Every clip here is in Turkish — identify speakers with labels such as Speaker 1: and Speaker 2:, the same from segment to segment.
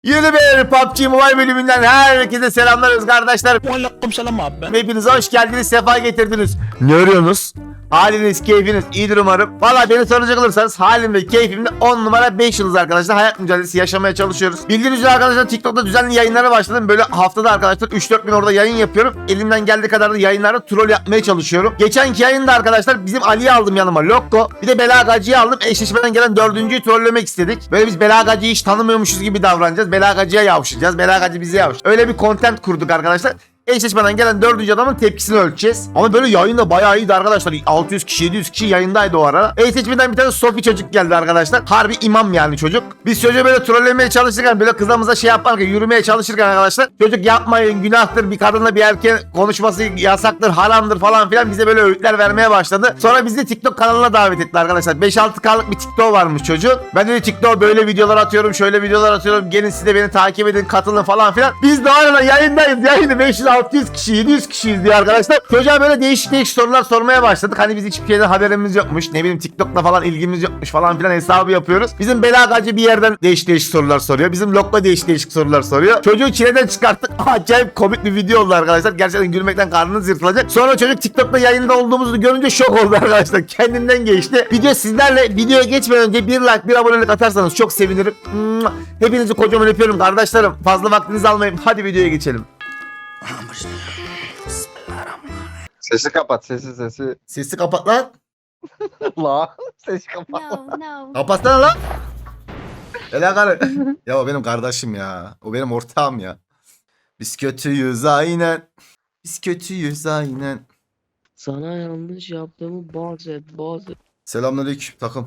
Speaker 1: Yeni bir PUBG Mobile bölümünden herkese selamlarız kardeşler.
Speaker 2: Aleykümselam abi.
Speaker 1: Hepiniz hoş geldiniz, sefa getirdiniz. Ne arıyorsunuz? Haliniz, keyfiniz iyidir umarım. Valla beni soracak olursanız halim ve keyfimde 10 numara 5 yıldız arkadaşlar. Hayat mücadelesi yaşamaya çalışıyoruz. Bildiğiniz üzere arkadaşlar TikTok'ta düzenli yayınlara başladım. Böyle haftada arkadaşlar 3-4 bin orada yayın yapıyorum. Elimden geldiği kadar da yayınlarda troll yapmaya çalışıyorum. Geçenki yayında arkadaşlar bizim Ali'yi aldım yanıma, Lokko. Bir de Belagacı'yı aldım. Eşleşmeden gelen 4.'yü trollemek istedik. Böyle biz Belagacı'yı hiç tanımıyormuşuz gibi davranacağız. Belagacı'ya yavşayacağız. Belagacı bize yavş. Öyle bir content kurduk arkadaşlar. Eşleşmeden gelen 4. adamın tepkisini ölçeceğiz. Ama böyle yayında bayağı iyiydi arkadaşlar. 600 kişi 700 kişi yayındaydı o ara. Eşleşmeden bir tane Sofi çocuk geldi arkadaşlar. Harbi imam yani çocuk. Biz çocuğu böyle trollemeye çalışırken, böyle kızımıza şey yaparken, yürümeye çalışırken arkadaşlar, çocuk yapmayın, günahtır, bir kadınla bir erkeğin konuşması yasaktır, haramdır falan filan, bize böyle öğütler vermeye başladı. Sonra bizi TikTok kanalına davet etti arkadaşlar. 5-6K'lık bir TikTok varmış çocuk. Ben de TikTok böyle videolar atıyorum, şöyle videolar atıyorum, gelin siz de beni takip edin, katılın falan filan. Biz de arada yayındayız. Yayını 500-600 kişi 700 kişiyiz diye arkadaşlar. Çocuğa böyle değişik sorular sormaya başladık. Hani biz hiçbir şeyden haberimiz yokmuş. Ne bileyim TikTok'la falan ilgimiz yokmuş falan filan hesabı yapıyoruz. Bizim Belagacı bir yerden değişik sorular soruyor. Bizim Lokma değişik sorular soruyor. Çocuğu çileden çıkarttık. Acayip komik bir video oldu arkadaşlar. Gerçekten gülmekten karnınız yırtılacak. Sonra çocuk TikTok'ta yayında olduğumuzu görünce şok oldu arkadaşlar. Kendinden geçti. Video sizlerle, videoya geçmeden önce bir like, bir abonelik atarsanız çok sevinirim. Hepinizi kocaman öpüyorum kardeşlerim. Fazla vaktinizi almayayım. Hadi videoya geçelim.
Speaker 3: Sesi kapat sesi.
Speaker 1: Sesi kapat lan.
Speaker 3: La sesi kapat.
Speaker 4: No.
Speaker 1: Kapatsana lan. Helal. Ya o benim kardeşim ya. O benim ortağım ya. Biz kötüyüz aynen. Biz kötüyüz aynen.
Speaker 5: Sana yanlış yaptığımı bazı.
Speaker 1: Selamünaleyküm takım.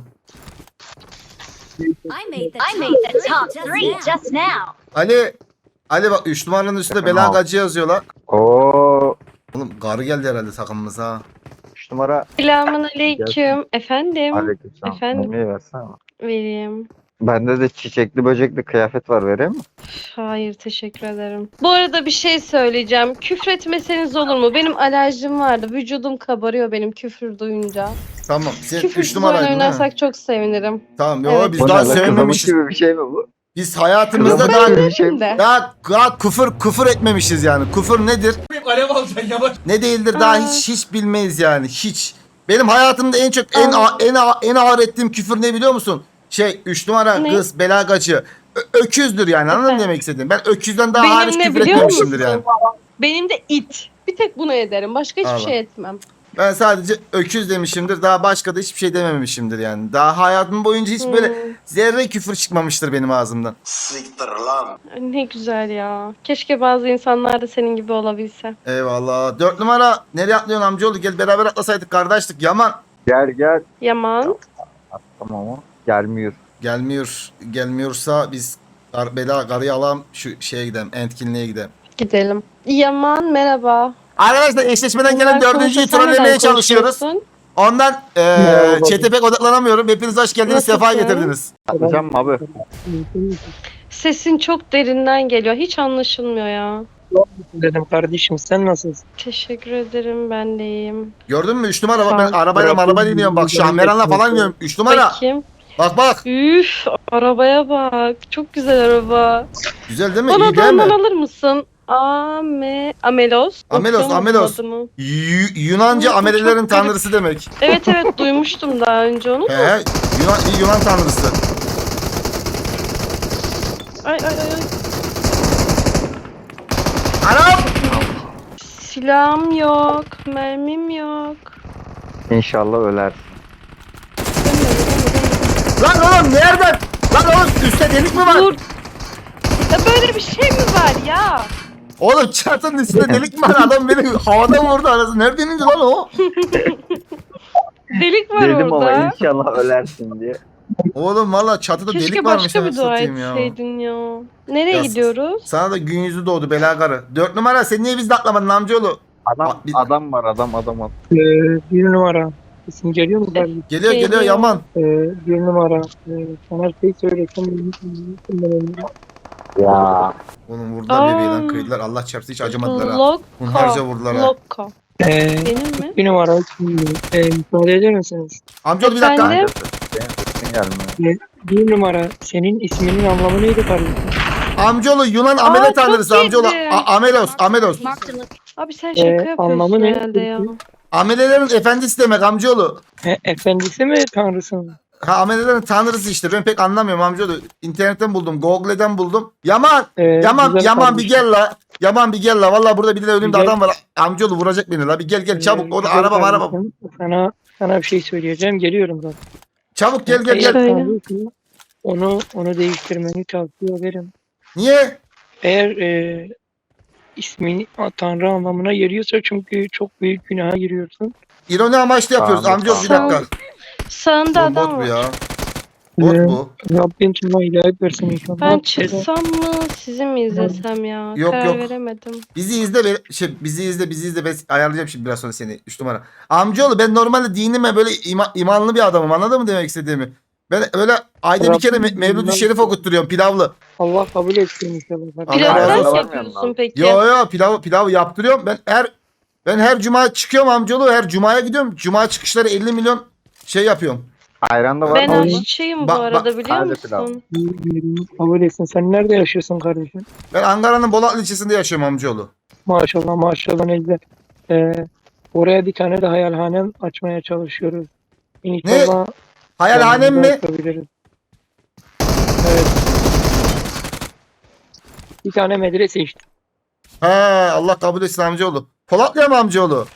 Speaker 4: I made the top three just now.
Speaker 1: Ali bak 3 numaranın üstünde Belagacı yazıyorlar.
Speaker 3: Oo,
Speaker 1: Oğlum garı geldi herhalde takımımıza.
Speaker 3: 3 numara.
Speaker 5: Selamun aleyküm. Efendim?
Speaker 3: Aleykümselam.
Speaker 5: Efendim?
Speaker 3: Yemeği versene.
Speaker 5: Vereyim.
Speaker 3: Bende de çiçekli böcekli kıyafet var, vereyim mi?
Speaker 5: Hayır, teşekkür ederim. Bu arada bir şey söyleyeceğim. Küfretmeseniz olur mu? Benim alerjim vardı. Vücudum kabarıyor benim küfür duyunca.
Speaker 1: Tamam sen 3
Speaker 5: Küfürsüz oyun
Speaker 1: numaraydın ha.
Speaker 5: oynarsak çok sevinirim.
Speaker 1: Tamam yo
Speaker 5: Evet.
Speaker 1: biz
Speaker 3: Bu
Speaker 1: daha
Speaker 3: ne lan,
Speaker 1: sevmemişiz.
Speaker 3: kızamık gibi bir şey mi bu?
Speaker 1: Biz hayatımızda
Speaker 3: Kızamık
Speaker 1: daha
Speaker 3: gibi bir şey mi?
Speaker 5: De.
Speaker 1: daha küfür etmemişiz yani. Küfür nedir?
Speaker 2: Alev alacaksın yavaş.
Speaker 1: Ne değildir daha
Speaker 5: Aa.
Speaker 1: hiç bilmeyiz yani. Hiç. Benim hayatımda en çok en ağır ettiğim küfür ne biliyor musun? 3 numara
Speaker 5: Ne?
Speaker 1: kız Belagacı. Öküzdür yani, anladın mı
Speaker 5: Efendim?
Speaker 1: demek istedim? Ben öküzden daha
Speaker 5: Benim
Speaker 1: hariç
Speaker 5: ne
Speaker 1: küfür
Speaker 5: biliyor
Speaker 1: etmemişimdir
Speaker 5: musun?
Speaker 1: yani.
Speaker 5: Benim de it. Bir tek bunu ederim. Başka hiçbir
Speaker 1: Allah.
Speaker 5: şey etmem.
Speaker 1: Ben sadece öküz demişimdir. Daha başka da hiçbir şey dememişimdir yani. Daha hayatım boyunca hiç böyle zerre küfür çıkmamıştır benim ağzımdan.
Speaker 5: Ne güzel ya. Keşke bazı insanlar da senin gibi olabilse.
Speaker 1: Eyvallah. 4 numara nereye atlıyorsun amcaoğlu? Gel beraber atlasaydık kardeşlik. Yaman.
Speaker 3: Gel.
Speaker 5: Yaman.
Speaker 3: Tamam ama gelmiyor.
Speaker 1: Gelmiyorsa biz karıyı alalım, şu şeye gidelim. Entkinliğe gidelim.
Speaker 5: Gidelim. Yaman merhaba.
Speaker 1: Arkadaşlar eşleşmeden gelen
Speaker 5: Bunlar
Speaker 1: 4.'yü
Speaker 5: konuşsa sen
Speaker 1: trollemeye
Speaker 5: neden
Speaker 1: çalışıyoruz.
Speaker 5: konuşuyorsun?
Speaker 1: Ondan
Speaker 3: Merhaba.
Speaker 1: chat'e pek odaklanamıyorum. Hepiniz hoş geldiniz.
Speaker 5: Nasılsın?
Speaker 1: Sefa getirdiniz.
Speaker 3: Atacağım mı abi?
Speaker 5: Sesin çok derinden geliyor. Hiç anlaşılmıyor ya.
Speaker 6: Dedim kardeşim, sen nasılsın?
Speaker 5: Teşekkür ederim. Ben de iyiyim.
Speaker 1: Gördün mü 3 numara? Bak ben
Speaker 5: Sağ ol.
Speaker 1: arabayla iniyorum. Bak Şahmeran'la falan iniyorum. 3 numara.
Speaker 5: Bakayım.
Speaker 1: Bak.
Speaker 5: Üf, arabaya bak. Çok güzel araba.
Speaker 1: Güzel değil mi?
Speaker 5: Bana
Speaker 1: İyi değil
Speaker 5: da ondan
Speaker 1: mi?
Speaker 5: alır mısın? Amelos.
Speaker 1: Amelos,
Speaker 5: Okuyor
Speaker 1: Amelos.
Speaker 5: musun adını?
Speaker 1: Yunanca
Speaker 5: Çok
Speaker 1: amelelerin
Speaker 5: garip.
Speaker 1: tanrısı demek.
Speaker 5: Evet duymuştum daha önce onu.
Speaker 1: He, Yunan tanrısı.
Speaker 5: Ay.
Speaker 1: Anam!
Speaker 5: Silahım yok. Mermim yok.
Speaker 3: İnşallah öler.
Speaker 1: Lan oğlum nereden? Lan oğlum üstte delik mi var?
Speaker 5: Dur. Ya böyle bir şey mi var ya?
Speaker 1: Oğlum çatının üstünde delik mi var? Adam beni havada vurdu arası. Nereden indi lan o?
Speaker 5: Delik var
Speaker 3: Dedim ama
Speaker 5: orada.
Speaker 3: inşallah ölersin diye.
Speaker 1: Oğlum valla çatıda
Speaker 5: Keşke
Speaker 1: delik varmış.
Speaker 5: başka bir
Speaker 1: anasını
Speaker 5: dua
Speaker 1: satayım ya.
Speaker 5: etseydin ya. Nereye
Speaker 1: Ya,
Speaker 5: gidiyoruz?
Speaker 1: Sana da gün yüzü doğdu Belagarı. 4 numara sen niye bizde atlamadın amcaoğlu?
Speaker 3: Adam var adam.
Speaker 6: Bir numara. İsim geliyor mu kardeşim?
Speaker 1: Geliyor
Speaker 5: Geliyor.
Speaker 1: Yaman.
Speaker 6: Bir numara. Sana şey söylesem.
Speaker 3: Ya.
Speaker 1: Oğlum vurdular bebeği lan,
Speaker 5: Aa.
Speaker 1: kıydılar. Allah çarptı hiç acımadılar ha.
Speaker 5: Lokko.
Speaker 1: Hunharca vurdular ha.
Speaker 5: Lokko.
Speaker 6: Ee,
Speaker 5: Benim mi?
Speaker 6: bir numara. Müsaade eder misiniz?
Speaker 1: Amcaoğlu bir dakika.
Speaker 5: Efendim?
Speaker 3: Senin gelmiyor.
Speaker 6: Bir numara. Senin isminin anlamı neydi kardeşim?
Speaker 1: Amcaoğlu Yunan amele
Speaker 5: çok
Speaker 1: tanrısı amcaoğlu.
Speaker 5: iyiydi.
Speaker 1: Amelos.
Speaker 4: Marked a location.
Speaker 5: Abi sen şaka yapıyorsun
Speaker 6: anlamı ne?
Speaker 5: herhalde ya.
Speaker 1: Amelelerin efendisi demek amcaoğlu.
Speaker 6: Efendisi mi tanrısı mı?
Speaker 1: Ha amelelerin tanrısı işte. Ben pek anlamıyorum amcaoğlu. İnternetten buldum. Google'den buldum. Yaman
Speaker 6: Güzel
Speaker 1: Yaman bir
Speaker 6: kardeşim.
Speaker 1: gel la. Yaman bir gel la. Vallahi burada bir de önümde
Speaker 6: Gel.
Speaker 1: adam var. Amcaoğlu vuracak beni la. Bir gel çabuk. Orada
Speaker 6: Güzel
Speaker 1: araba.
Speaker 6: kardeşim. Sana bir şey söyleyeceğim. Geliyorum zaten.
Speaker 1: Çabuk gel.
Speaker 5: Söyle.
Speaker 6: Onu değiştirmeni tavsiye ederim.
Speaker 1: Niye?
Speaker 6: Eğer ismini Tanrı anlamına geliyorsa çünkü çok büyük günaha giriyorsun.
Speaker 1: İroni amaçlı yapıyoruz
Speaker 3: Tamam,
Speaker 1: amcaoğlu bir
Speaker 5: tamam.
Speaker 1: dakika.
Speaker 5: Sağında
Speaker 1: Oğlum,
Speaker 5: adam
Speaker 1: bot bu
Speaker 5: var.
Speaker 1: ya. Bot
Speaker 6: Ee,
Speaker 1: bu.
Speaker 6: Rabbim sana hidayet versin inşallah.
Speaker 5: Ben çıksam mı sizi mi izlesem ya?
Speaker 1: Yok,
Speaker 5: Karar
Speaker 1: yok.
Speaker 5: veremedim.
Speaker 1: Bizi izle. Ben ayarlayacağım şimdi biraz sonra seni. 3 numara. Amcaoğlu ben normalde dinime böyle imanlı bir adamım. Anladın mı demek istediğimi? Ben öyle ayda bir kere Mevlüt-ü Şerif okutturuyorum pilavlı.
Speaker 6: Allah kabul etsin inşallah.
Speaker 1: Allah
Speaker 5: Pilav
Speaker 1: razı
Speaker 5: nasıl
Speaker 1: olsun.
Speaker 5: yapıyorsun peki?
Speaker 1: Yo pilavı yaptırıyorum. Ben her cuma çıkıyorum amcaoğlu. Her cumaya gidiyorum. Cuma çıkışları 50 milyon şey yapıyorum.
Speaker 3: Ayran da var
Speaker 5: Ben
Speaker 3: mı?
Speaker 5: aşçıyım bu
Speaker 1: Bak,
Speaker 5: arada biliyor
Speaker 3: Hadi
Speaker 5: musun?
Speaker 3: pilav.
Speaker 6: Kabul etsin. Sen nerede yaşıyorsun kardeşim?
Speaker 1: Ben Ankara'nın Bolatlı ilçesinde yaşıyorum amcaoğlu.
Speaker 6: Maşallah Necdet. Oraya bir tane de hayalhanem açmaya çalışıyoruz. İnşallah
Speaker 1: Hayalhanem mi?
Speaker 6: yapabiliriz. Evet. Bir tane medrese işte.
Speaker 1: He Allah kabul etsin amcaoğlu. Polatlı'ya mı amcaoğlu?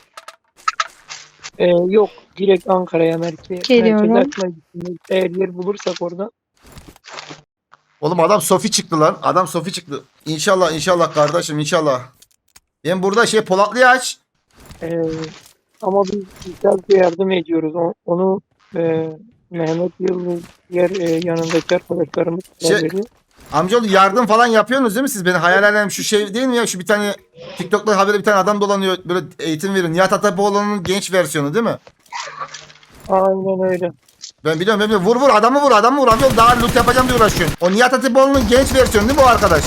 Speaker 6: Yok. Direkt Ankara'ya
Speaker 5: Geliyorum.
Speaker 6: merkeze açmayı düşünüyoruz. Eğer yer bulursak orada.
Speaker 1: Oğlum adam Sofi çıktı lan. Adam Sofi çıktı. İnşallah kardeşim inşallah. Ben burada Polatlı'yı aç.
Speaker 6: Ama biz güzelce yardım ediyoruz. Onu Mehmet Yıldız diğer yanındaki arkadaşlarımız veriyor.
Speaker 1: Amcaoğlu yardım falan yapıyorsunuz değil mi siz? Beni hayal şu şey değil mi ya? Şu bir tane TikTok'ta haberde bir tane adam dolanıyor. Böyle eğitim veriyor. Nihat Atapoğlu'nun genç versiyonu değil mi?
Speaker 6: Aynen öyle.
Speaker 1: Ben biliyorum. Vur adamı vur. Amcaoğlu daha loot yapacağım diye uğraşıyorsun. O Nihat Atapoğlu'nun genç versiyonu değil mi bu arkadaş?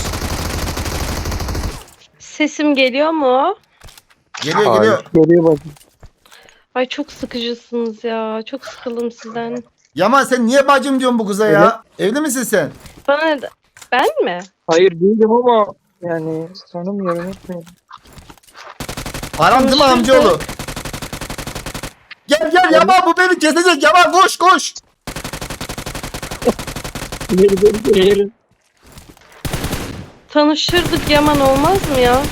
Speaker 5: Sesim geliyor mu?
Speaker 1: Geliyor.
Speaker 6: Geliyor bakın.
Speaker 5: Ay çok sıkıcısınız ya. Çok sıkıldım sizden.
Speaker 1: Yaman sen niye bacım diyorsun bu kıza ya? Evli misin sen?
Speaker 5: Bana ne? Ben mi?
Speaker 6: Hayır değilim ama yani tanımıyorum etmiyorum.
Speaker 1: Aram değil mi amcaoğlu? Gel Yaman bu beni kesecek. Yaman koş.
Speaker 6: Eğer
Speaker 5: Tanışırdık Yaman olmaz mı ya?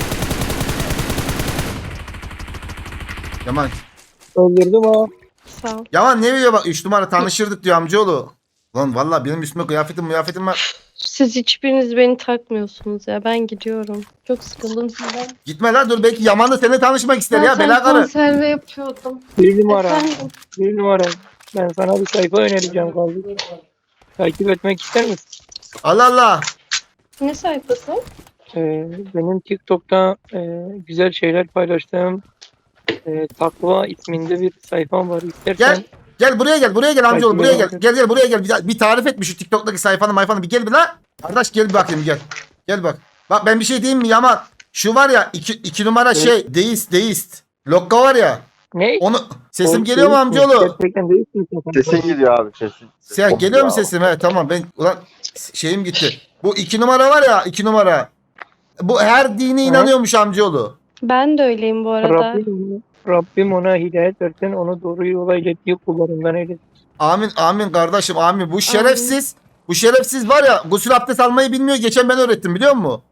Speaker 1: Yaman.
Speaker 6: öldürdüm ama
Speaker 5: Sağ ol.
Speaker 1: Yaman ne diyor bak 3 numara tanışırdık diyor amcaoğlu. Lan vallahi benim üstüme kıyafetim var.
Speaker 5: Siz hiçbiriniz beni takmıyorsunuz ya. Ben gidiyorum. Çok sıkıldım sizden.
Speaker 1: Gitme lan dur belki Yaman'la seninle tanışmak ister ya
Speaker 5: Zaten
Speaker 1: bela karı.
Speaker 5: konserve yapıyordum.
Speaker 6: bir numara.
Speaker 5: Efendim?
Speaker 6: Bir numara. Ben sana bir sayfa önereceğim kardeşim. Takip etmek ister misin?
Speaker 1: Allah.
Speaker 5: Ne sayfası?
Speaker 6: Benim TikTok'ta güzel şeyler paylaştığım Takva isminde bir sayfam var. İstersen
Speaker 1: Gel buraya gel amcaoğlu buraya gel.
Speaker 6: Takip
Speaker 1: Gel buraya gel. Bir tarif et şu TikTok'taki sayfanı bir gel bir lan. Kardeş gel bir bakayım gel. Gel bak. Bak ben bir şey diyeyim mi Yaman? Şu var ya 2 numara şey deist. Lokka var ya.
Speaker 6: ne?
Speaker 1: Onu sesim geliyor mu amcaoğlu?
Speaker 6: Gerçekten değilsin.
Speaker 3: Sesin gidiyor abi sesin.
Speaker 1: Sen geliyor mu sesim? He tamam ben ulan şeyim gitti. Bu 2 numara var ya 2 numara. Bu her dine inanıyormuş amcaoğlu.
Speaker 5: Ben de öyleyim bu arada.
Speaker 6: Rabbim ona hidayet versin, onu doğru yola ilettiği kullarından eylesin.
Speaker 1: Amin kardeşim amin. Bu şerefsiz var ya gusül abdest almayı bilmiyor. Geçen ben öğrettim biliyor musun?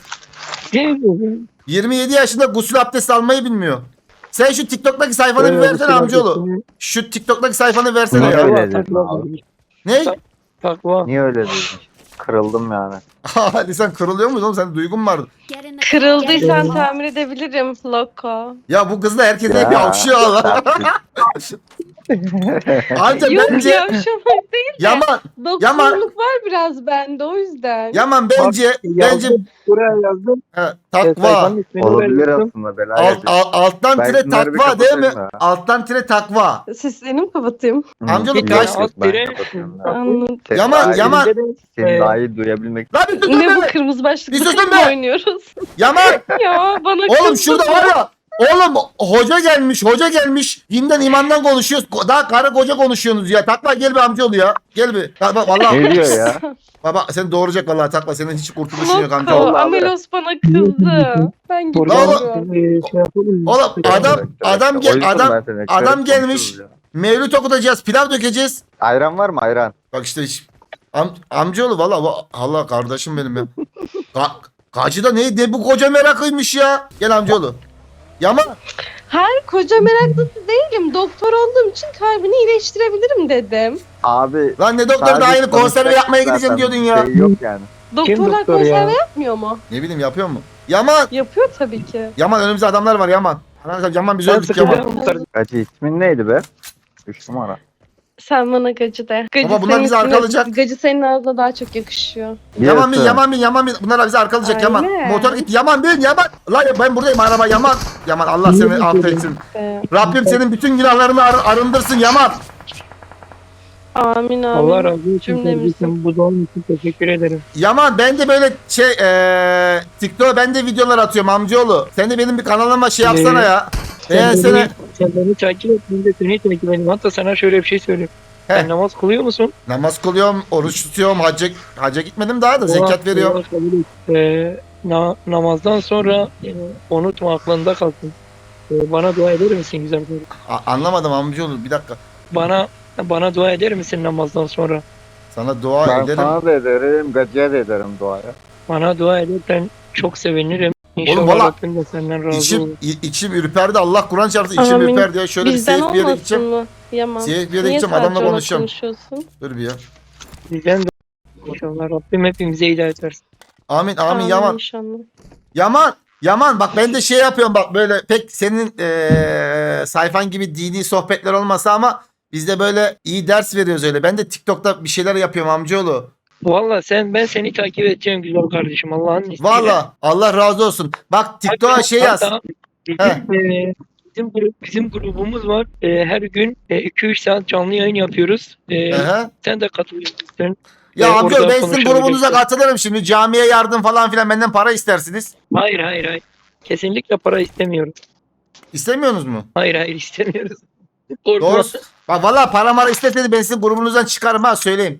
Speaker 1: 27 yaşında gusül abdest almayı bilmiyor. Sen şu TikTok'taki sayfanı bir versene amcaoğlu. Şu TikTok'taki sayfanı versene
Speaker 3: Ne
Speaker 1: ya.
Speaker 3: öyle dedin abi?
Speaker 1: Ne?
Speaker 6: Takva.
Speaker 3: Niye öyle dedin? Kırıldım yani.
Speaker 1: Hadi sen kırılıyor musun oğlum? Senin duygun vardı.
Speaker 4: Get in the car.
Speaker 5: Kırıldıysan tamir edebilirim. Loko.
Speaker 1: Ya bu kız da herkese
Speaker 3: Ya,
Speaker 1: bir avşıyor Allah. Anca
Speaker 5: Yok
Speaker 1: bence
Speaker 5: yavşamak değil.
Speaker 1: Yaman
Speaker 5: Doktorluk var biraz bende o yüzden.
Speaker 1: bence
Speaker 6: Buraya yazdım.
Speaker 1: takva.
Speaker 6: Sayfanın ismini
Speaker 3: Olabilir
Speaker 6: verdim.
Speaker 3: aslında bela
Speaker 1: Alttan
Speaker 3: Belki
Speaker 1: tire
Speaker 3: bunları bir
Speaker 1: takva değil mi?
Speaker 3: kapatayım da.
Speaker 1: Alttan tire takva.
Speaker 5: Seslerini mi kapatayım?
Speaker 1: Amcaoğlu
Speaker 6: Bir
Speaker 1: kaç-
Speaker 6: tane alt
Speaker 3: Ben
Speaker 6: dire-
Speaker 3: kapatıyorum ya.
Speaker 5: Anladım.
Speaker 3: Seni
Speaker 1: Yaman,
Speaker 3: daha iyi-
Speaker 1: Yaman.
Speaker 3: Seni daha iyi duyabilmek.
Speaker 1: Lan bir dur
Speaker 5: Ne bu
Speaker 1: be.
Speaker 5: kırmızı
Speaker 1: Bir
Speaker 5: başlıklı
Speaker 1: susun
Speaker 5: kız mı
Speaker 1: be.
Speaker 5: oynuyoruz?
Speaker 1: Yaman.
Speaker 5: Ya bana
Speaker 1: Oğlum
Speaker 5: kızdı
Speaker 1: şurada
Speaker 5: bu.
Speaker 1: var ya. Oğlum hoca gelmiş. Dinden imandan konuşuyoruz. Daha karı koca konuşuyorsunuz ya. Takla gel bir amcaoğlu ya. Gel bir. Bak vallahi.
Speaker 3: Ne diyor ya?
Speaker 1: Baba seni doğuracak vallahi Takla. Senin hiç kurtuluşun yok
Speaker 5: Mokko,
Speaker 1: amcaoğlu.
Speaker 5: Amelos bana kızdı. Ben
Speaker 6: Buradan
Speaker 5: gidiyorum.
Speaker 6: şey yapalım mı?
Speaker 1: Oğlum adam gelmiş.
Speaker 3: Konuşuruz ya.
Speaker 1: Mevlüt okutacağız. Pilav dökeceğiz.
Speaker 3: Ayran var mı ayran?
Speaker 1: Bak işte amcaoğlu vallahi kardeşim benim ya. Kacıda ne bu koca merakıymış ya. Gel amcaoğlu. Yaman.
Speaker 5: Hayır koca meraklısı değilim. Doktor olduğum için kalbini iyileştirebilirim dedim.
Speaker 3: Abi.
Speaker 1: Lan ne doktor daha yeni konserve yapmaya gideceğim diyordun ya.
Speaker 3: Şey yok yani.
Speaker 5: Doktorlar
Speaker 6: doktor ya?
Speaker 5: konserve yapmıyor mu?
Speaker 1: Ne bileyim yapıyor mu? Yaman.
Speaker 5: Yapıyor tabii ki.
Speaker 1: Yaman önümüzde adamlar var Yaman. Yaman bizi
Speaker 6: Ben
Speaker 1: öldük Yaman.
Speaker 6: sıkıldım.
Speaker 3: Kaçı ismin neydi be? 3 numara.
Speaker 5: Sen bana gacı de. Gacı
Speaker 1: Ama bunlar
Speaker 5: senin
Speaker 1: bizi
Speaker 5: ismine-
Speaker 1: arkalayacak.
Speaker 5: Gacı senin ağzına daha çok yakışıyor.
Speaker 1: Yaman bin
Speaker 3: Diyorsun.
Speaker 1: Yaman bin. Bunlar bizi arkalayacak Yaman.
Speaker 5: Aynen.
Speaker 1: Motor git Yaman bin Yaman. Lan ben buradayım araba Yaman. Yaman Allah seni affetsin. Rabbim senin bütün günahlarını arındırsın Yaman.
Speaker 5: Amin amin.
Speaker 6: Allah razı olsun
Speaker 5: Cümlemizin.
Speaker 6: kardeşim. Bu doğum için teşekkür ederim.
Speaker 1: Yaman ben de böyle TikTok'a ben de videolar atıyorum amcaoğlu. Sen de benim bir kanalıma şey yapsana ya. Beğensene.
Speaker 6: Sen beni takip et. Ben de seni takip edeyim. Hatta sana şöyle bir şey söyleyeyim.
Speaker 1: He.
Speaker 6: Sen namaz kılıyor musun?
Speaker 1: Namaz kılıyorum, oruç tutuyorum, hacca gitmedim daha da zekat veriyorum.
Speaker 6: Allah kabul et. Namazdan sonra unutma aklında kalsın. Bana dua eder misin güzel kardeşim?
Speaker 1: Anlamadım amcaoğlu bir dakika.
Speaker 6: Bana dua eder misin namazdan sonra?
Speaker 1: Sana dua
Speaker 3: Ben
Speaker 1: ederim.
Speaker 3: sana da ederim, gacıya da ederim duaya.
Speaker 6: Bana dua edersen çok sevinirim. İnşallah
Speaker 1: Oğlum valla
Speaker 6: Rabbim de senden razı olur.
Speaker 1: İçim ürperdi. Allah Kur'an çarptı içim
Speaker 5: Amin.
Speaker 1: ürperdi ya. Şöyle bir
Speaker 5: Bizden
Speaker 1: safe bir yere
Speaker 5: olmasın
Speaker 1: gideceğim.
Speaker 5: mı? Yaman.
Speaker 1: Safe bir yere
Speaker 5: Niye
Speaker 1: gideceğim adamla
Speaker 5: sadece
Speaker 1: konuşacağım.
Speaker 5: konuşuyorsun?
Speaker 1: Dur bir ya.
Speaker 6: Bizden de inşallah Rabbim hepimize hidayet versin.
Speaker 1: Amin Yaman.
Speaker 5: İnşallah.
Speaker 1: Yaman bak ben de şey yapıyorum bak böyle pek senin sayfan gibi dini sohbetler olmasa ama biz de böyle iyi ders veriyoruz öyle. Ben de TikTok'ta bir şeyler yapıyorum amcaoğlu.
Speaker 6: Valla ben seni takip edeceğim güzel kardeşim Allah'ın izniyle.
Speaker 1: Valla Allah razı olsun. Bak TikTok'a şey yaz.
Speaker 6: Hatta bizim grubumuz var. Her gün 2-3 saat canlı yayın yapıyoruz.
Speaker 1: Aha.
Speaker 6: Sen de katılıyorsun.
Speaker 1: Ya amcaoğlu
Speaker 6: Oradan
Speaker 1: ben sizin
Speaker 6: konuşabiliriz.
Speaker 1: grubunuza katılırım şimdi. Camiye yardım falan filan benden para istersiniz.
Speaker 6: Hayır. Kesinlikle para istemiyoruz.
Speaker 1: İstemiyorsunuz mu?
Speaker 6: Hayır istemiyoruz.
Speaker 1: Doğru. Bak valla para mara isteseydi ben sizin grubunuzdan çıkarım ha söyleyeyim.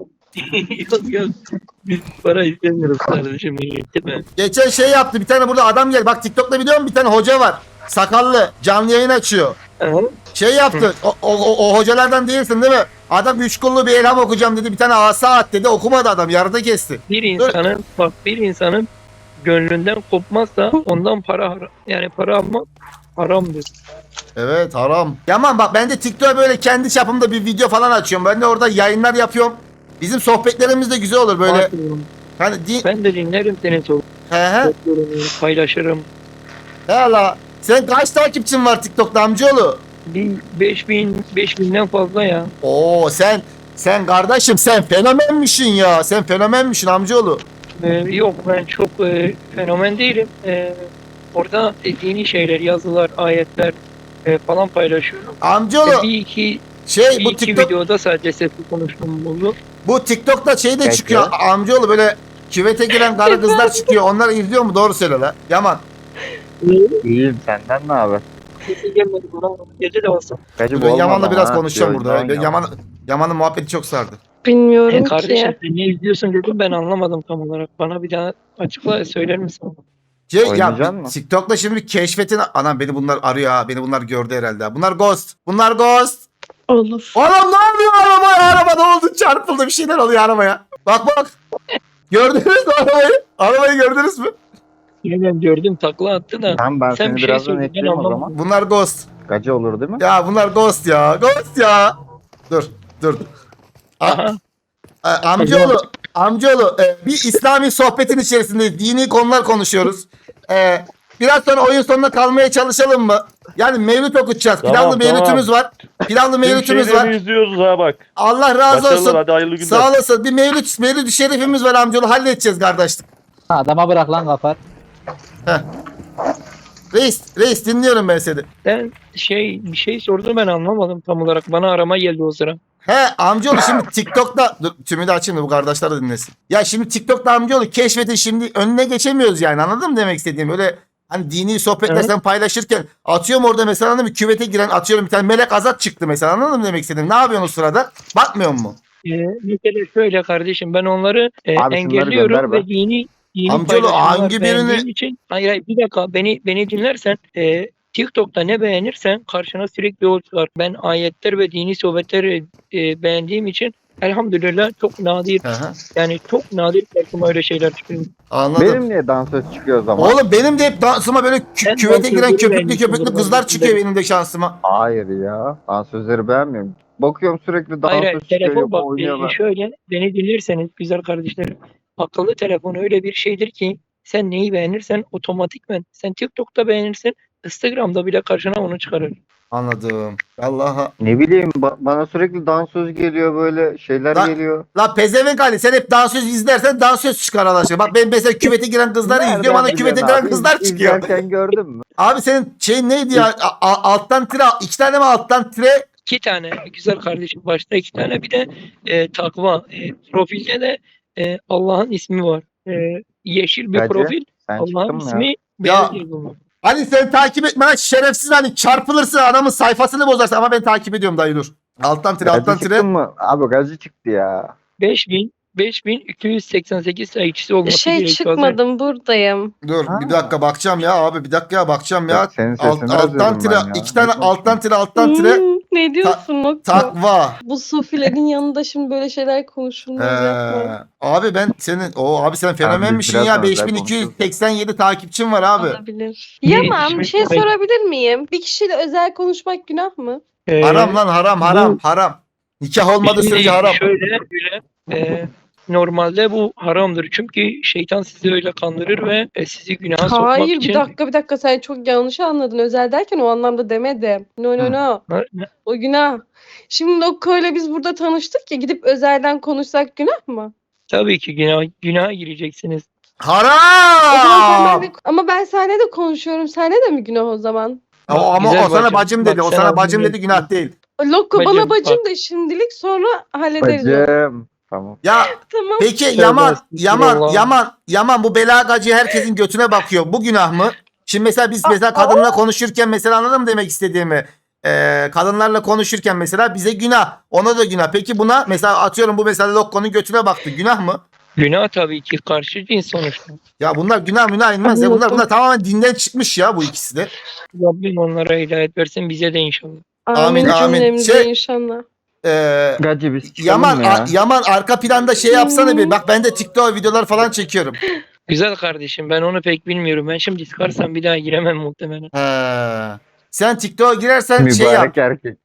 Speaker 6: yok. Biz para istemiyoruz kardeşim. Değil mi?
Speaker 1: Geçen şey yaptı bir tane burada adam geldi. Bak TikTok'ta biliyor musun bir tane hoca var. Sakallı canlı yayın açıyor.
Speaker 6: Aha.
Speaker 1: Şey yaptı. O hocalardan değilsin değil mi? Adam 3 kullu bir elham okuyacağım dedi. Bir tane asa at dedi. Okumadı adam. Yarıda kesti.
Speaker 6: Bir insanın gönlünden kopmazsa ondan para almak haramdır.
Speaker 1: Evet haram. Yaman bak ben de TikTok'a böyle kendi çapımda bir video falan açıyorum. Ben de orada yayınlar yapıyorum. Bizim sohbetlerimiz de güzel olur böyle. Hani
Speaker 6: Ben de dinlerim seni
Speaker 1: he.
Speaker 6: paylaşırım.
Speaker 1: Hala. Sen kaç takipçin var TikTok'ta amcaoğlu?
Speaker 6: 5000'den fazla ya.
Speaker 1: Oo sen kardeşim sen fenomenmişsin ya. Sen fenomenmişsin amcaoğlu.
Speaker 6: Yok ben çok fenomen değilim. Orada dini şeyler, yazılar, ayetler falan paylaşıyorum.
Speaker 1: Amcaoğlu
Speaker 6: Bir iki
Speaker 1: bu TikTok
Speaker 6: videoda sadece sesli konuştuğum oldu.
Speaker 1: bu TikTok'ta şey de
Speaker 3: Peki.
Speaker 1: çıkıyor amcaoğlu böyle küvete giren karı kızlar çıkıyor. Onları izliyor mu? Doğru söyle la. Yaman.
Speaker 3: İyiyim senden ne haber?
Speaker 6: Sesi gelmedi bana. Gece de olsa.
Speaker 3: Gacı
Speaker 1: Ben
Speaker 3: olmadı
Speaker 1: Yaman'la
Speaker 3: ama
Speaker 1: biraz
Speaker 3: ha.
Speaker 1: konuşacağım
Speaker 3: Yok,
Speaker 1: burada. Ben
Speaker 3: Yaman.
Speaker 1: Yaman'ın muhabbeti çok sardı.
Speaker 5: Bilmiyorum
Speaker 6: Kardeşim
Speaker 5: ki.
Speaker 6: sen ne izliyorsun dedim ben anlamadım tam olarak. Bana bir daha açıkla söyler misin?
Speaker 3: Oynayacak mısın?
Speaker 1: TikTok'ta şimdi bir keşfetin anam beni bunlar arıyor ha. Beni bunlar gördü herhalde. Ha. Bunlar ghost. Bunlar ghost.
Speaker 5: Olur.
Speaker 1: Oğlum ne oluyor arabaya? Araba ne oldu? Çarpıldı bir şeyler oluyor arabaya. Bak. Gördünüz mü arabayı? Arabayı gördünüz mü?
Speaker 6: Yine ben gördüm takla attı da.
Speaker 3: Tamam ben
Speaker 6: Sen
Speaker 3: seni
Speaker 6: bir şey
Speaker 3: birazdan
Speaker 6: söyle, ben
Speaker 3: ekleyeyim o
Speaker 6: anlamadım.
Speaker 3: zaman.
Speaker 1: Bunlar ghost.
Speaker 3: Gacı olur değil mi?
Speaker 1: Ya bunlar ghost ya. Ghost ya. Dur.
Speaker 6: Aha.
Speaker 1: Amcaoğlu bir İslami sohbetin içerisinde dini konular konuşuyoruz. Biraz sonra oyun sonuna kalmaya çalışalım mı? Yani mevlüt okutacağız.
Speaker 2: Tamam,
Speaker 1: Pilavlı mevlütümüz var. Pilavlı mevlütümüz var.
Speaker 2: izliyoruz ha bak.
Speaker 1: Allah razı
Speaker 2: Başarılar,
Speaker 1: olsun.
Speaker 2: hadi hayırlı günler.
Speaker 1: Sağ olasın. Bir mevlüt şerifimiz var amcaoğlu. Halledeceğiz kardeşlik.
Speaker 7: Adama bırak lan kafar.
Speaker 1: Reis dinliyorum ben seni.
Speaker 6: Ben bir şey sordu ben anlamadım tam olarak. Bana arama geldi o sıra.
Speaker 1: He amcaoğlu şimdi TikTok'ta dur tümü de açayım da bu kardeşler de dinlesin. Ya şimdi TikTok'ta amcaoğlu keşfetin şimdi önüne geçemiyoruz yani anladın mı demek istediğim? Öyle Hani dini sohbetler
Speaker 6: Evet.
Speaker 1: sen paylaşırken atıyorum orada mesela anladın mı? Küvete giren atıyorum bir tane melek azat çıktı mesela anladın mı demek istedim? Ne yapıyorsun o sırada? Bakmıyor mu?
Speaker 6: Mesela şöyle kardeşim ben onları
Speaker 3: Abi şunları
Speaker 6: engelliyorum
Speaker 3: gönder be.
Speaker 6: ve dini
Speaker 1: Amcaoğlu,
Speaker 6: paylaşımlar
Speaker 1: hangi birini-
Speaker 6: beğendiğim için hayır bir dakika beni dinlersen TikTok'ta ne beğenirsen karşına sürekli o çıkar. Ben ayetler ve dini sohbetleri beğendiğim için elhamdülillah çok nadir
Speaker 1: Hı hı.
Speaker 6: yani çok nadir karşıma öyle şeyler çıkıyor.
Speaker 1: Anladım.
Speaker 3: Benim niye dansöz çıkıyor o zaman?
Speaker 1: Oğlum benim de hep dansıma böyle
Speaker 6: Ben
Speaker 1: küvete giren
Speaker 6: dansözleri
Speaker 1: köpüklü
Speaker 6: beğenmişimdir
Speaker 1: köpüklü
Speaker 6: ben
Speaker 1: kızlar
Speaker 6: de.
Speaker 1: çıkıyor benim de şansıma.
Speaker 3: Hayır ya. Dansözleri beğenmiyorum. Bakıyorum sürekli
Speaker 6: Hayır,
Speaker 3: dansöz çıkıyor.
Speaker 6: telefon
Speaker 3: Yok
Speaker 6: bak
Speaker 3: oynuyorlar.
Speaker 6: şöyle beni dinlerseniz güzel kardeşlerim akıllı telefon öyle bir şeydir ki sen neyi beğenirsen otomatikmen sen TikTok'ta beğenirsin Instagram'da bile karşına onu çıkarır.
Speaker 1: Anladım. Allah'a.
Speaker 3: Ne bileyim bana sürekli dansöz geliyor böyle şeyler
Speaker 1: Lan-
Speaker 3: geliyor.
Speaker 1: La pezevenk Ali sen hep dansöz izlersen dansöz çıkar Allah aşkına. Bak ben mesela küvete giren kızları izliyorum bana küvete
Speaker 3: biliyorsun
Speaker 1: giren
Speaker 3: abi?
Speaker 1: kızlar çıkıyor.
Speaker 3: İzlerken gördün mü?
Speaker 1: Abi senin şeyin neydi ya? Alttan tire, 2 tane mi alttan tire?
Speaker 6: 2 tane güzel kardeşim başta 2 tane bir de takva profilde de Allah'ın ismi var. Yeşil bir
Speaker 3: Gacı,
Speaker 6: profil
Speaker 3: Sen çıktın
Speaker 6: Allah'ın
Speaker 3: mı ya?
Speaker 6: ismi beyaz yazılı.
Speaker 1: Ali sen takip etme lan şerefsiz hani çarpılırsın adamın sayfasını bozarsın ama ben takip ediyorum dayı dur. Alttan tire alttan
Speaker 3: Gacı
Speaker 1: tire.
Speaker 3: çıktın mı? Abi gacı çıktı ya.
Speaker 6: 5288 takipçisi olması
Speaker 5: Şey
Speaker 6: gerekiyor.
Speaker 5: çıkmadım buradayım.
Speaker 1: Dur
Speaker 3: Ha.
Speaker 1: bir dakika bakacağım ya abi bir dakika ya bakacağım ya.
Speaker 3: Yok, senin sesini
Speaker 1: Alttan
Speaker 3: özledim
Speaker 1: tire
Speaker 3: ben ya.
Speaker 1: 2 tane
Speaker 3: Ne
Speaker 1: alttan tire alttan tire
Speaker 5: Ne diyorsun Nokta?
Speaker 1: takva.
Speaker 5: Bu sofilerin yanında şimdi böyle şeyler konuşulmaz yapma.
Speaker 1: Abi ben senin abi sen fenomenmişsin
Speaker 3: biraz
Speaker 1: ya
Speaker 3: özel
Speaker 1: 5287 takipçin var abi.
Speaker 5: Olabilir.
Speaker 6: Ne
Speaker 5: Yaman
Speaker 6: ismi?
Speaker 5: bir şey
Speaker 6: Hayır.
Speaker 5: sorabilir miyim? Bir kişiyle özel konuşmak günah mı?
Speaker 1: Haram lan haram haram. Nikah olmadığı
Speaker 6: Şimdi
Speaker 1: sürece haram.
Speaker 6: Şöyle normalde bu haramdır. Çünkü şeytan sizi öyle kandırır ve sizi günaha sokmak
Speaker 5: Hayır
Speaker 6: için
Speaker 5: bir dakika sen çok yanlış anladın. Özel derken o anlamda demedim. No
Speaker 1: Hı.
Speaker 5: no. O günah. Şimdi Nokko'yla biz burada tanıştık ya gidip özelden konuşsak günah mı?
Speaker 6: tabii ki günaha gireceksiniz.
Speaker 5: O zaman sen
Speaker 1: Haram.
Speaker 5: benimle- ama ben seninle de konuşuyorum. Seninle de mi günah o zaman?
Speaker 1: Ama
Speaker 6: Güzel
Speaker 1: o sana bacım dedi.
Speaker 6: Bak,
Speaker 1: O
Speaker 6: sen
Speaker 1: sana
Speaker 6: ağzını
Speaker 1: bacım dedi
Speaker 6: yedin.
Speaker 1: günah değil.
Speaker 5: Lokko
Speaker 6: Bacım,
Speaker 5: bana bacım
Speaker 6: bak.
Speaker 5: da şimdilik sonra hallederiz onu.
Speaker 3: Bacım. Tamam.
Speaker 1: Ya
Speaker 5: Tamam.
Speaker 1: peki
Speaker 6: Tövbe
Speaker 1: Yaman
Speaker 6: estağfurullah.
Speaker 1: bu bela gacı herkesin götüne bakıyor. Bu günah mı? Şimdi mesela biz mesela kadınla konuşurken mesela anladın mı demek istediğimi? Kadınlarla konuşurken mesela bize günah. Ona da günah. Peki buna mesela atıyorum bu mesela Lokko'nun götüne baktı. Günah mı?
Speaker 6: Günah tabii ki karşı cins sonuçta.
Speaker 1: Ya bunlar günah inmez ya. Bunlar tamamen dinden çıkmış ya bu ikisi de.
Speaker 6: Rabbim onlara hidayet versin bize de inşallah.
Speaker 1: Amin,
Speaker 5: Amin
Speaker 1: amin.
Speaker 5: cümlemize
Speaker 1: Şey-
Speaker 5: inşallah.
Speaker 3: Gacı biz çıkalım
Speaker 1: Yaman
Speaker 3: ya.
Speaker 1: Yaman arka planda şey yapsana bir. Bak ben de TikTok videolar falan çekiyorum.
Speaker 6: Güzel kardeşim ben onu pek bilmiyorum. Ben şimdi çıkarsam bir daha giremem muhtemelen.
Speaker 1: Sen TikTok'a girersen şey yap.
Speaker 3: Mübarek erkek.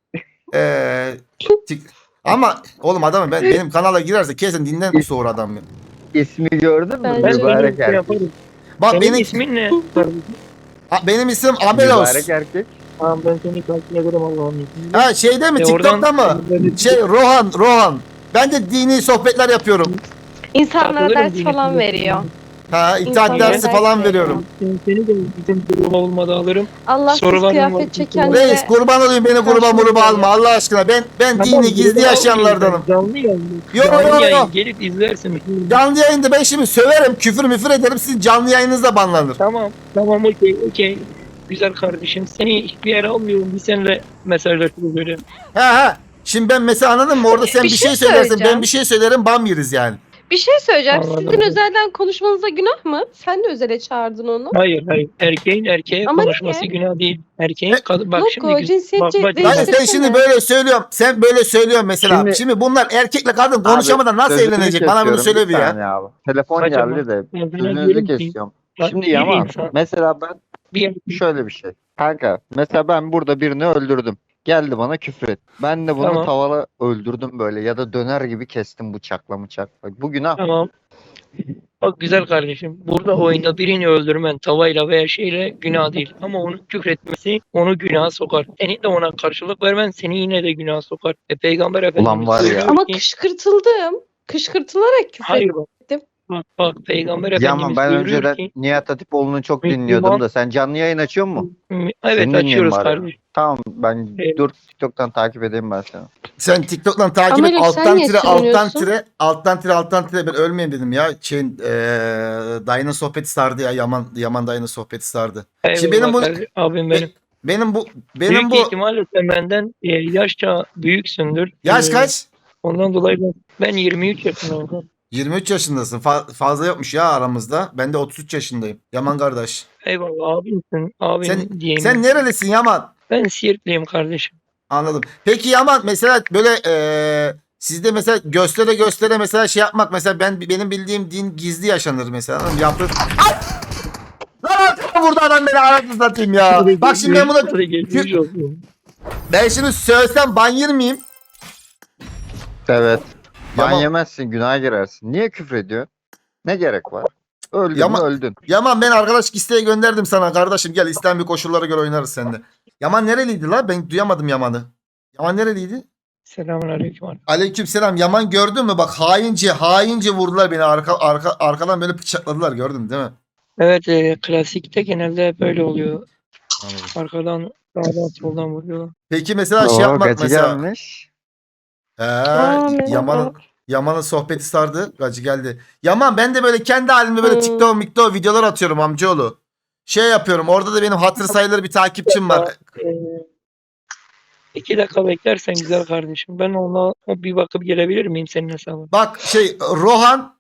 Speaker 1: Ama oğlum adamım benim kanala girerse kesin dinden soğur adam ya.
Speaker 3: İsmi gördün mü?
Speaker 5: Ben
Speaker 6: Ben
Speaker 3: Mübarek
Speaker 6: senin
Speaker 3: erkek.
Speaker 6: yaparım.
Speaker 1: Bak
Speaker 6: Senin
Speaker 1: benim
Speaker 6: ismin ne?
Speaker 1: benim isim Amelos.
Speaker 3: Mübarek erkek.
Speaker 6: Tamam ben seni takip ederim Allah'ın izniyle.
Speaker 1: Ha şeyde mi TikTok'ta mı? Şey Rohan. Ben de dini sohbetler yapıyorum.
Speaker 5: İnsanlara
Speaker 6: Takılırım
Speaker 5: ders
Speaker 6: dini
Speaker 5: falan
Speaker 6: sohbetine.
Speaker 5: veriyor.
Speaker 1: Ha itaat
Speaker 5: İnsanlara
Speaker 1: dersi
Speaker 5: ders
Speaker 1: falan
Speaker 5: veriyor.
Speaker 1: veriyorum.
Speaker 6: Seni de bizim gruba olmadı alırım.
Speaker 5: Allahsız
Speaker 6: Sorularım var.
Speaker 5: kıyafet çekenlere
Speaker 1: Reis kurban olayım beni gruba
Speaker 5: Karşılık
Speaker 1: muruba alma
Speaker 5: veriyor.
Speaker 1: Allah aşkına. Ben
Speaker 6: Tamam,
Speaker 1: dini gizli
Speaker 6: gruba
Speaker 1: yaşayanlardanım.
Speaker 6: almayayım ben. Canlı yayın.
Speaker 1: Yo,
Speaker 6: Canlı
Speaker 1: yo, yo.
Speaker 6: yayın. Gelip izlersin.
Speaker 1: Canlı yayında ben şimdi söverim, küfür ederim. Sizin canlı yayınınızda banlanır.
Speaker 6: Tamam okey. Güzel kardeşim. Seni hiçbir yere almıyorum. Bir seninle mesajlaşırız böyle.
Speaker 1: Ha. Şimdi ben mesela anladın mı? Orada sen
Speaker 5: Bir
Speaker 1: bir
Speaker 5: şey
Speaker 1: şey söylersin,
Speaker 5: söyleyeceğim.
Speaker 1: ben bir şey söylerim, bam yeriz yani.
Speaker 5: bir şey söyleyeceğim.
Speaker 6: Anladım.
Speaker 5: Sizin özelden konuşmanıza günah mı? Sen de özele çağırdın onu.
Speaker 6: Hayır. Erkeğin erkeğe
Speaker 5: Ama
Speaker 6: konuşması
Speaker 5: niye?
Speaker 6: günah değil. Erkeğin kadın. Bak
Speaker 5: Lokko,
Speaker 6: şimdi.
Speaker 5: cinsiyetçi
Speaker 6: bak,
Speaker 5: değil.
Speaker 1: Yani sen
Speaker 5: Değiştirsene.
Speaker 1: şimdi böyle söylüyorsun. Sen böyle söylüyorsun mesela. Şimdi,
Speaker 3: Şimdi-
Speaker 1: bunlar erkekle kadın konuşamadan nasıl
Speaker 3: Sözünü
Speaker 1: evlenecek? Bana bunu
Speaker 3: kesiyorum,
Speaker 1: söyle bir ya.
Speaker 3: saniye abi. Telefon
Speaker 6: Acaba-
Speaker 3: geldi de
Speaker 6: Ben sana
Speaker 3: sözünüzü
Speaker 6: diyorum ki,
Speaker 3: kesiyorum.
Speaker 6: bak,
Speaker 3: Şimdi
Speaker 6: bir
Speaker 3: Yaman
Speaker 6: insan-
Speaker 3: mesela ben
Speaker 6: bir
Speaker 3: şöyle bir şey. Kanka mesela ben burada birini öldürdüm. Geldi bana küfür et. Ben de bunu
Speaker 6: Tamam.
Speaker 3: tavala öldürdüm böyle ya da döner gibi kestim bıçakla. Bak, bu günah.
Speaker 6: Tamam. Bak güzel kardeşim. Burada oyunda birini öldürmen tavayla veya şeyle günah değil. Ama onu küfretmesi onu günaha sokar. Senin de ona karşılık vermen seni yine de günaha sokar. Peygamber Efendimiz
Speaker 3: Ulan var ya.
Speaker 6: söylüyor
Speaker 5: Ama
Speaker 6: ki-
Speaker 5: kışkırtıldım. Kışkırtılarak küfür
Speaker 6: Hayır bak.
Speaker 5: ettim.
Speaker 6: Bak Peygamber
Speaker 3: Ya ama
Speaker 6: Efendimiz
Speaker 3: ben
Speaker 6: buyuruyor
Speaker 3: önceden
Speaker 6: ki
Speaker 3: Nihat Hatipoğlu'nu çok
Speaker 6: Müslüman-
Speaker 3: dinliyordum da sen canlı yayın açıyor musun?
Speaker 6: evet
Speaker 3: Seni dinleyeyim
Speaker 6: açıyoruz
Speaker 3: bari.
Speaker 6: kardeşim.
Speaker 3: Tamam ben
Speaker 6: Evet.
Speaker 3: dur TikTok'tan takip edeyim ben seni.
Speaker 1: Sen TikTok'tan takip et.
Speaker 5: Ameliyim, sen
Speaker 1: Alttan
Speaker 5: niye
Speaker 1: tire, alttan
Speaker 5: sürünüyorsun?
Speaker 1: tire, alttan tire ben ölmeyeyim dedim ya. Dayının sohbeti sardı ya. Yaman dayının sohbeti sardı. Şimdi benim
Speaker 6: Eyvallah
Speaker 1: bu
Speaker 6: kardeşim, abim benim.
Speaker 1: benim
Speaker 6: Büyük
Speaker 1: bu
Speaker 6: ihtimalle sen benden yaşça büyüksündür.
Speaker 1: yaş kaç?
Speaker 6: Ondan dolayı ben 23 yaşındayım.
Speaker 1: 23 yaşındasın. Fazla yokmuş ya aramızda. Ben de 33 yaşındayım. Yaman kardeş.
Speaker 6: Eyvallah abimsin. Abim
Speaker 1: Sen
Speaker 6: diyeyim.
Speaker 1: sen nerelisin Yaman?
Speaker 6: Ben Siirtliyim kardeşim.
Speaker 1: Anladım. Peki Yaman mesela böyle sizde mesela göstere mesela şey yapmak mesela benim bildiğim din gizli yaşanır mesela. Anladın mı? Yaptır. Ay! Lan vurdu adam beni anasını satayım ya. Bak şimdi ben bunu
Speaker 6: Hadi geçmiş olsun.
Speaker 1: ben şimdi söylesem ban yer miyim?
Speaker 3: Evet. Ban
Speaker 1: Yaman-
Speaker 3: yemezsin günaha girersin. Niye küfür ediyorsun? Ne gerek var? Öldün
Speaker 1: Yaman-
Speaker 3: mü öldün.
Speaker 1: Yaman ben arkadaş isteği gönderdim sana kardeşim. Gel İslami koşullara göre oynarız seninle. Yaman nereliydi la? Ben duyamadım Yaman'ı. Yaman nereliydi?
Speaker 6: Selamun aleyküm.
Speaker 1: Aleykümselam. Yaman gördün mü? Bak haince vurdular beni arkadan böyle bıçakladılar gördün değil mi?
Speaker 6: Evet klasikte genelde hep böyle oluyor. Arkadan sağdan soldan vuruyor.
Speaker 1: Peki mesela şey
Speaker 3: Oo,
Speaker 1: yapmak
Speaker 3: kaçı
Speaker 1: mesela.
Speaker 3: gelmiş?
Speaker 1: Yaman'ın sohbeti sardı. Gacı geldi. Yaman ben de böyle kendi halimde böyle TikTok videolar atıyorum amcaoğlu. Şey yapıyorum. Orada da benim hatır sayılır bir takipçim var.
Speaker 6: 2 dakika beklersen güzel kardeşim. Ben ona bir bakıp gelebilir miyim senin hesabına?
Speaker 1: Bak şey Rohan.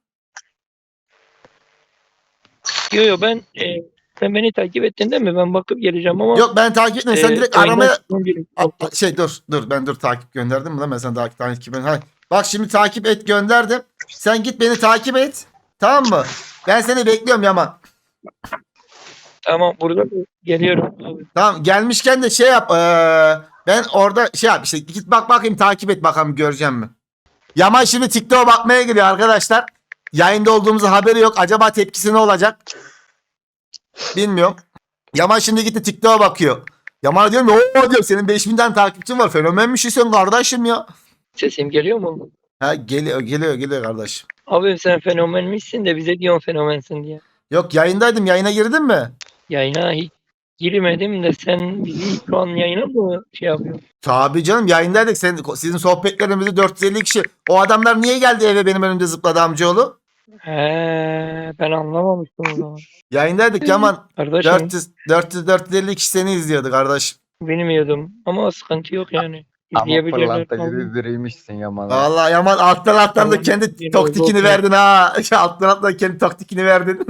Speaker 6: Yo ben sen beni takip ettin değil mi? Ben bakıp geleceğim ama
Speaker 1: Yok ben takip etmiyorum. Sen direkt
Speaker 6: oyundan
Speaker 1: aramaya
Speaker 6: çıkmam gerek.
Speaker 1: Şey dur takip gönderdim mi lan ben sana takip ben. Bak şimdi takip et gönderdim. Sen git beni takip et. Tamam mı? Ben seni bekliyorum Yaman.
Speaker 6: Tamam burada geliyorum abi.
Speaker 1: Tamam gelmişken de şey yap. Ben orada şey yap işte git bak bakayım takip et bakalım göreceğim mi? Yaman şimdi TikTok'a bakmaya geliyor arkadaşlar. Yayında olduğumuzu haberi yok. Acaba tepkisi ne olacak? Bilmiyorum. Yaman şimdi gitti TikTok'a bakıyor. Yaman'a diyorum ya o diyor senin 5000 tane takipçin var. Fenomenmiş sen kardeşim ya.
Speaker 6: Sesim geliyor mu?
Speaker 1: Ha geliyor kardeşim.
Speaker 6: Abi sen fenomenmişsin de bize diyorsun fenomensin diye.
Speaker 1: Yok yayındaydım. Yayına girdin mi?
Speaker 6: Yayına hiç girmedim de sen bizi şu an yayına mı şey yapıyorsun?
Speaker 1: Tabii canım yayındaydık. Sizin sohbetlerimizi 450 kişi. O adamlar niye geldi eve benim önümde zıpladı amcaoğlu?
Speaker 6: He, ben anlamamıştım o zaman.
Speaker 1: Yayındaydık Yaman.
Speaker 6: Kardeşim
Speaker 1: 450 kişi seni izliyordu kardeş.
Speaker 6: bilmiyordum ama sıkıntı yok yani.
Speaker 3: Ama
Speaker 6: İzleyebilirler.
Speaker 3: pırlanta gibi biriymişsin Yaman.
Speaker 1: Vallahi Yaman alttan da
Speaker 6: Tamam.
Speaker 1: kendi
Speaker 6: Yine
Speaker 1: taktikini
Speaker 6: oldu.
Speaker 1: verdin ha. Alttan kendi taktikini verdin.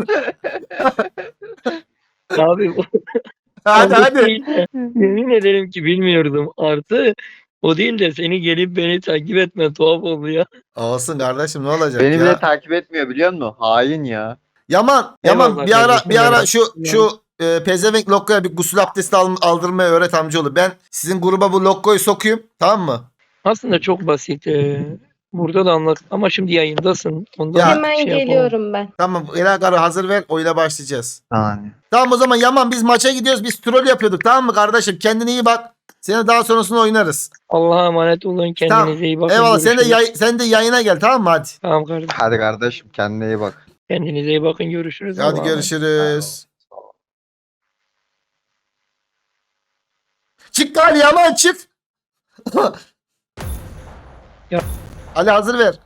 Speaker 6: Abi bu
Speaker 1: hadi
Speaker 6: o
Speaker 1: hadi.
Speaker 6: değil de, yemin ederim ki bilmiyordum. Artı o değil de seni gelip beni takip etme tuhaf oldu ya.
Speaker 1: Olsun kardeşim ne olacak
Speaker 3: Beni
Speaker 1: ya.
Speaker 3: bile takip etmiyor biliyor musun? Hain ya.
Speaker 1: Yaman
Speaker 6: Eyvallah
Speaker 1: bir ara
Speaker 6: kardeşim,
Speaker 1: şu pezevenk Lokko'ya bir gusül abdesti aldırmayı öğret amcaoğlu. Ben sizin gruba bu Lokko'yu sokuyum tamam mı?
Speaker 6: Aslında çok basit. Burada da anlat ama şimdi yayındasın. Ondan
Speaker 1: Ya,
Speaker 5: Hemen
Speaker 6: şey yapamam.
Speaker 5: geliyorum ben.
Speaker 1: Tamam Elagar'ı hazır ver oyuna başlayacağız.
Speaker 3: Yani.
Speaker 1: Tamam o zaman Yaman biz maça gidiyoruz biz troll yapıyorduk tamam mı kardeşim? Kendine iyi bak. Seni daha sonrasında oynarız.
Speaker 6: Allah'a emanet olun. Kendinize
Speaker 1: Tamam.
Speaker 6: iyi bakın.
Speaker 1: Eyvallah
Speaker 6: Görüşürüz.
Speaker 1: sen de yayına gel tamam mı hadi?
Speaker 6: Tamam kardeşim.
Speaker 3: Hadi kardeşim kendine iyi bak.
Speaker 6: Kendinize iyi bakın. Görüşürüz.
Speaker 1: Hadi
Speaker 6: Allah'a emanet.
Speaker 1: görüşürüz. Çık gari Yaman çık.
Speaker 6: Ya.
Speaker 1: Ali hazır ver.